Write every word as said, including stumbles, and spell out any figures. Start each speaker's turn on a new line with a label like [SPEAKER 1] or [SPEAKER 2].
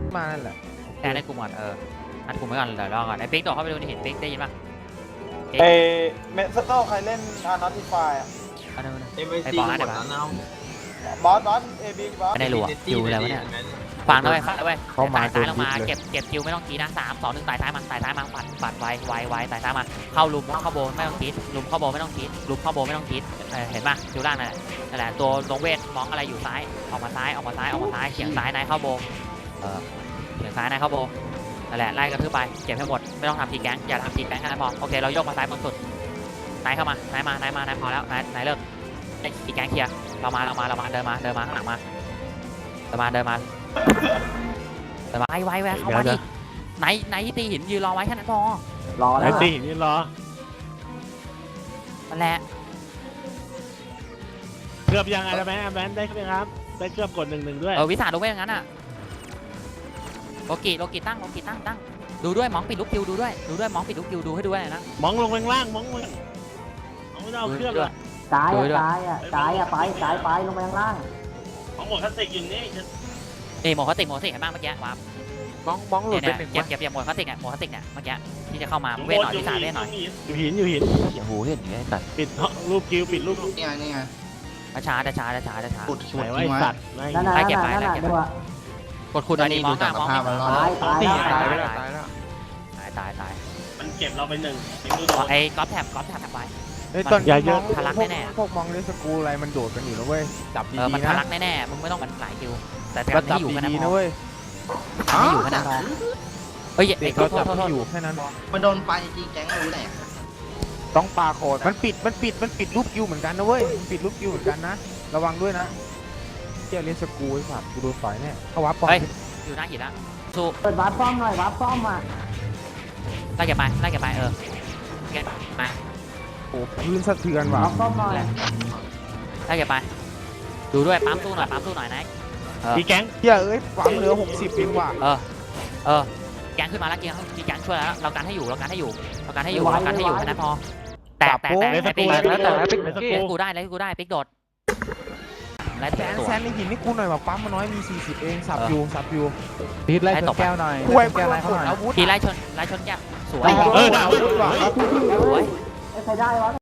[SPEAKER 1] มานั่นแหละ
[SPEAKER 2] แต่ในกลุ่มก่อนเอออัดกลุ่มไว้ก่อนเดี๋ยวรอก่อนไอ้ปิ๊กต่อเข้าไปดูนี่เห็นปิ๊กได้ยินป่ะ
[SPEAKER 3] เอเมสโต้ใครเล่นอาร์นอติฟายอ่ะ
[SPEAKER 2] อันนั้น
[SPEAKER 4] เอ็มไอซีหมดแล้วนะ
[SPEAKER 3] บอสบอสเอบีบอส
[SPEAKER 2] ไม่ได้รัวคิวแล้วเนี่ยฟังด้วยฟังด้วยสายซ้ายลงมาเก็บเก็บคิวไม่ต้องกีนะสามสองหนึ่งสายซ้ายมาสายซ้ายมาปัดปัดไวไวไวสายซ้ายมาเข้าลุมเข้าโบไม่ต้องกีดลุมเข้าโบไม่ต้องกีดลุมเข้าโบไม่ต้องกีดเห็นป่ะคิวล่างนั่นแหละนั่นแหละตัวลงเวทมองอะไรอยู่ซ้ายออกมาซ้ายออกมาซ้ายออกมาซ้ายเฉียงซ้ายนายเข้าโบเออเฉียงซ้ายนายเข้าโบนั่นแหละไล่กระทืบไปเก็บให้หมดไม่ต้องทำทีแก๊งอย่าทำทีแก๊งแค่นั้นพอโอเคเราโยกมาซ้ายบนสุดนายเข้ามานายมานายมานายพอแล้วนายนายเลิกไอ้ทีแก๊งเคลียร์เรามาเรามาเรามาเดินมาเดินมาข้างหลังมาเดินมาเดินมาเดินมาไอ้ไว้แวะเข้ามาดิไหนไหนที่ตีหินยืนรอไว้แค่นั้นพอ
[SPEAKER 1] รอแล้ว
[SPEAKER 5] ไอ้ตีนี่รอ
[SPEAKER 2] นั่นแหละ
[SPEAKER 5] เกือบยังไงแล้วไหมแมนได้ไหมครับได้เกือบกดหนึ่งหนึ่งด้วย
[SPEAKER 2] เออวิสาดูไว้อย่างนั้นอ่ะโลกิโลกิตั้งโลกิตั้งตั้งดูด้วยมองปิดลูกคิวดูด้วยดูด้วยมองปิดลูกคิวดูให้ด้วยนะ
[SPEAKER 5] มองลงล่างมองลงมองไม่เอาเครื่องเลย
[SPEAKER 6] ซ้ายอ่ะซ้ายอ่ะซ้ายอ่ะไปซ้ายไปลงไปข้างล่าง
[SPEAKER 5] มองหมดคลาสสิกอยู่นี่
[SPEAKER 2] นี่หมดคลาสสิกหมดคลาสสิกเห็นบ้างเมื่อกี้วาร์ป
[SPEAKER 1] บ้องบ้องหลุดไป
[SPEAKER 2] เนี่ย
[SPEAKER 1] หนึ่ง
[SPEAKER 2] เก็บเก็บเก็บหมดคลาสสิกเนี่ยหมดคลาสสิกเนี่ยเมื่อกี้ที่จะเข้ามาเวทหน่อยวิสาเวทหน่อย
[SPEAKER 5] อยู่หินอยู่หิน
[SPEAKER 1] เสียงหูเห็นอย่างนี้ตัด
[SPEAKER 5] ปิดรูปคิวปิดรูป
[SPEAKER 4] นี่ไงนี่ไง
[SPEAKER 2] ช้าช้าช้าช้าช้าช้า
[SPEAKER 4] ปุด
[SPEAKER 5] ไห
[SPEAKER 4] ปุ
[SPEAKER 5] น
[SPEAKER 4] ด
[SPEAKER 5] ว่า
[SPEAKER 4] ทิ้ง
[SPEAKER 5] ไอ้
[SPEAKER 4] ไว้
[SPEAKER 5] สัตว์ไม่
[SPEAKER 6] นั่นน่ะนั่นน่ะนั่นน่ะดูอ่ะ
[SPEAKER 2] กดคุณอันนี้มองอ่ะมอง
[SPEAKER 6] ตายตายแล้ว
[SPEAKER 1] ตา
[SPEAKER 6] ตาย ย
[SPEAKER 1] ไป
[SPEAKER 6] แล้ว
[SPEAKER 1] แล้วตายแล้ว
[SPEAKER 2] ตายตายตาย
[SPEAKER 5] มันเก็บเราไปหนึ่ง
[SPEAKER 2] ไอ้ก๊อฟแท็บก๊อฟแท็บไป
[SPEAKER 1] ไอ้ตอนมอง
[SPEAKER 2] ทะลักแน่ๆ
[SPEAKER 1] พวกมองเลสกูอะไรมันโดดกันอยู่นะเว้ยจับ
[SPEAKER 2] เออมัน
[SPEAKER 1] ดีๆ
[SPEAKER 2] ทะ
[SPEAKER 1] นะ
[SPEAKER 2] ลักแน่ๆมึงไม่ต้องมันหลายคิวแต่
[SPEAKER 1] ก็
[SPEAKER 2] ทำ
[SPEAKER 1] จั
[SPEAKER 2] ให้
[SPEAKER 1] บ
[SPEAKER 2] อยู่แค่นั้น
[SPEAKER 1] ดีๆ
[SPEAKER 2] พ
[SPEAKER 1] นะ
[SPEAKER 2] อ
[SPEAKER 1] เว้ย
[SPEAKER 2] ทำให้อยู่แค่นั้นเฮ้ย
[SPEAKER 1] เด็
[SPEAKER 2] ไอ้
[SPEAKER 1] ก
[SPEAKER 2] โท
[SPEAKER 1] เรา
[SPEAKER 2] ษโท
[SPEAKER 1] จั
[SPEAKER 2] ษ
[SPEAKER 1] บ
[SPEAKER 2] โทษ
[SPEAKER 1] อยู่แค่นั้น
[SPEAKER 4] มันโดนไปจริงแก๊งรู้แหละ
[SPEAKER 1] ต้องปาโคดมันปิดมันปิดมันปิดรูปคิวเหมือนกันนะเว้ยมันปิดรูปคิวเหมือนกันนะระวังด้วยนะเที่ยวเลสกูไอ้สัตว์กูโดนต่อยแน่เข้าวับปอ
[SPEAKER 2] เฮ้ยอยู่หน้าหินละสู้
[SPEAKER 6] เปิดวาร์ปซ่อมหน่อยวาร์ปซ่อมอ่ะ
[SPEAKER 2] ไล่แกไปไล่แกไปเออแกมา
[SPEAKER 1] โอ้พื้นสะเทือนว่ะ
[SPEAKER 6] วาร์ปซ่อมหน่อย
[SPEAKER 2] ไล่แกไปดูด้วยปั๊มสู้หน่อยปั๊มสู้หน่อยนะเออ
[SPEAKER 5] ตีแก๊ง
[SPEAKER 1] เที่ยเอ้ยหวังเหลือหกสิบเองว่ะ
[SPEAKER 2] เออเออแกงขึ้นมาแล้วแกงมีแกงช่วยแล้วเราการให้อยู่เราการให้อยู่เราการให้อยู่เราการให้อยู่แค่นั้นพอแตกแตกแตกไอ้ปิ๊กแล้วแต่แล้วปิ๊กกูได้แล้วกูได้ปิ๊กโดดไล่
[SPEAKER 1] แซ
[SPEAKER 2] แต่
[SPEAKER 1] น
[SPEAKER 2] ตัว
[SPEAKER 1] แซนในหินนี่กูหน่อยว่ะปั๊มมาน้อยมีสี่สิบเองสับอยู่สับอยู่
[SPEAKER 7] พีทไล่ชนแก้วหน่อย
[SPEAKER 1] ป่วย
[SPEAKER 7] แก้ว
[SPEAKER 1] ป่ว
[SPEAKER 7] ไล่
[SPEAKER 1] ย
[SPEAKER 7] เขาหน่อย
[SPEAKER 1] อาวุธ
[SPEAKER 2] ทีไล่ชนไล่ชนแก้วสวย
[SPEAKER 5] เออดาว
[SPEAKER 1] ว่ะ
[SPEAKER 2] สวย
[SPEAKER 6] ไอ้ใครได้วะ